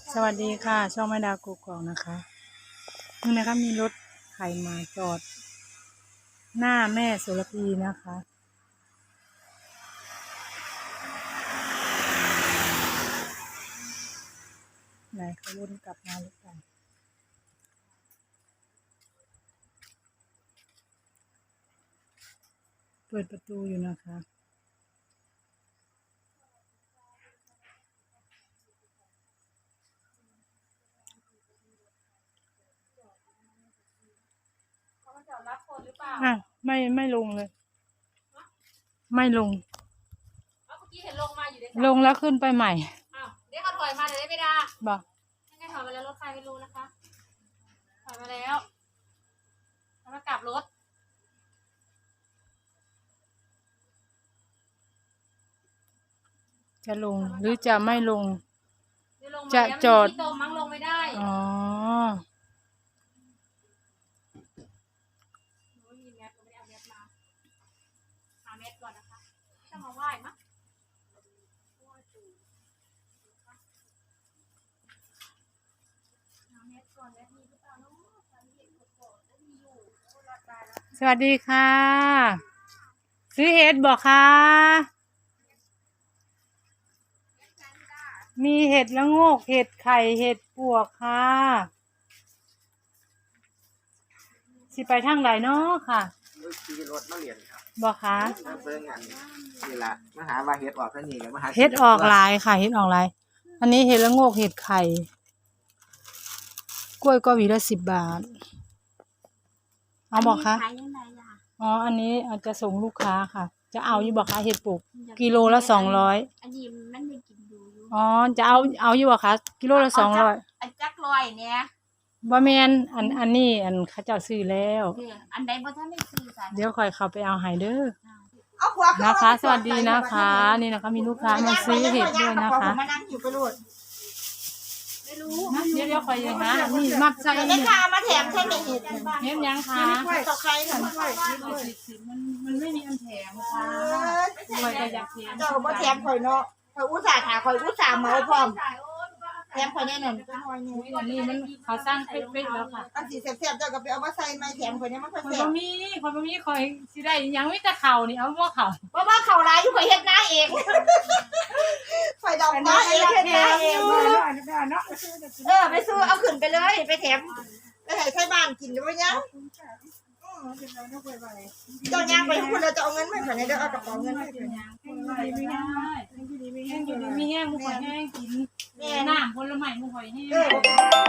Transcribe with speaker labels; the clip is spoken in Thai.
Speaker 1: สวัสดีค่ะ ช่องแม่ดาวกุกกอกนะคะนี่นะคะมีรถไถมาจอดหน้าแม่โสระพีนะคะไหนเขาวนกลับมาหรือเปล่าเปิดประตูอยู่นะคะไม่ลงเลย ไม่ลง
Speaker 2: เมื่อกี้เห็นลงมาอยู่ใน
Speaker 1: ลงแล้วขึ้นไปใหม่
Speaker 2: อ้าวเดี๋ยวเขาถอยมาเดี๋ยวได้ไม่ได้
Speaker 1: บอก
Speaker 2: ยังไงถอยมาแล้วรถไฟไม่รู้นะคะถอยมาแล้วแล้วมากลับรถ
Speaker 1: จะลงหรือจะไม่ลง
Speaker 2: เดี๋ยวลงมา
Speaker 1: จะ
Speaker 2: แล้ว
Speaker 1: จอด
Speaker 2: มันมีที่ตรงมั้งลงไม่ได้
Speaker 1: อ๋อ
Speaker 2: ไม่มีแมสก็ไม่ได้เอาแมสมาหาแมสก่อนนะคะจะมาไหว้มั้งหาแมสก่อนแมสมีหรือเปล่าเนาะตอนนี้เห็นกดๆแล้วมีอยู่โอ้รอดตายแล้ว
Speaker 1: สวัสดีค่ะ ซื้อเห็ดบอกค่ะ มีเห็ดละโงกเห็ดไข่เห็ดปวกค่ะสิไปทางไหนเนาะค่ะ
Speaker 3: ขี่รถมาเรียนครับ
Speaker 1: บอกค่ะ
Speaker 3: มาเบิ่งอันนี่ละมาหาว่าเฮ็ดออกซะนี่กับมาหา
Speaker 1: เห็ดออกหลายค่ะเห็ดออกหลายอันนี้เห็ดละโงกเห็ดไข่กล้วยก็หวีละ10 บาทเอาบอกค่ะ
Speaker 2: ขายยังไงล่ะ
Speaker 1: อ๋ออันนี้อาจจะส่งลูกค้าค่ะ จะเอาอยู่บอกค่ะเห็ดปลูกกิโลละ200
Speaker 2: อันนี้มันไม่กินดูอยู่
Speaker 1: อ๋อจะเอาอยู่บอกค่ะกิโลละ200
Speaker 2: อันจักรลอยเนี่ย
Speaker 1: บ่แม่นอันนี้เขาเจ้าซื้อแล้ว
Speaker 2: อันใดบ่ทันได้ซื้อจ้ะ
Speaker 1: เดี๋ยวค่อยเข้าไปเอาให้เด้อ
Speaker 4: เอาหัวขึ้
Speaker 1: นะคะ สวัสดีนะคะ นี่นะคะมีลูกค้ามาซื้อเห็ดด้วยนะคะ
Speaker 4: มานั่งอยู่ไปรูด
Speaker 2: ไม่รู้
Speaker 1: เดี๋ยวค่อยยังนะนี่มัดใส่
Speaker 4: ได้
Speaker 1: นี่
Speaker 4: ค่ะมาแถมใช่ไหมเห็ด
Speaker 1: เห็ดยังคะ
Speaker 4: ต่อใครหน่อยด้วย
Speaker 1: มันไม่มีอันแถมค่ะค่อยก็อยากแถม
Speaker 4: เจ้ามาแถมข่อยเนาะข่อยอุตส่าห์ถาข่อยอุตส่าห์เมาพร้อมแถมข่อยแน่นอนจะหอยนี่
Speaker 1: อันนี้มันเขาสร้างเป๊ะๆแล้วค่ะ
Speaker 4: อันสีแซ่บๆเจ้าก็ไปเอามาใส่ไม้แถมข่อยเนี่ยมันค่อย
Speaker 1: คน
Speaker 4: แซ่
Speaker 1: บ่
Speaker 4: บ
Speaker 1: มีคอยสิได้ยังมีแต่เข่านี่เอาบ่เข่า
Speaker 4: เพราะว่าเขาร้ายอยู่ข่อยเฮ็ดหน้าเองข่อยดำหน้าเองเฮ็ดหน้าเองไปซื้อเอาขึ้นไปเลยไปแถมไปให้ใช้บ้านกินด้วยเนี่ยเจ้าย่างไปทุกคนเราจะเอาเงินไม่ข่อยเนี่ยเดี๋ยวเอากระเป๋าเงินให้ข่อย
Speaker 1: ไม่ได้มีแห้งมุกข่อยแห้งกินน้ำผลไม้มุกข่อยแห้ง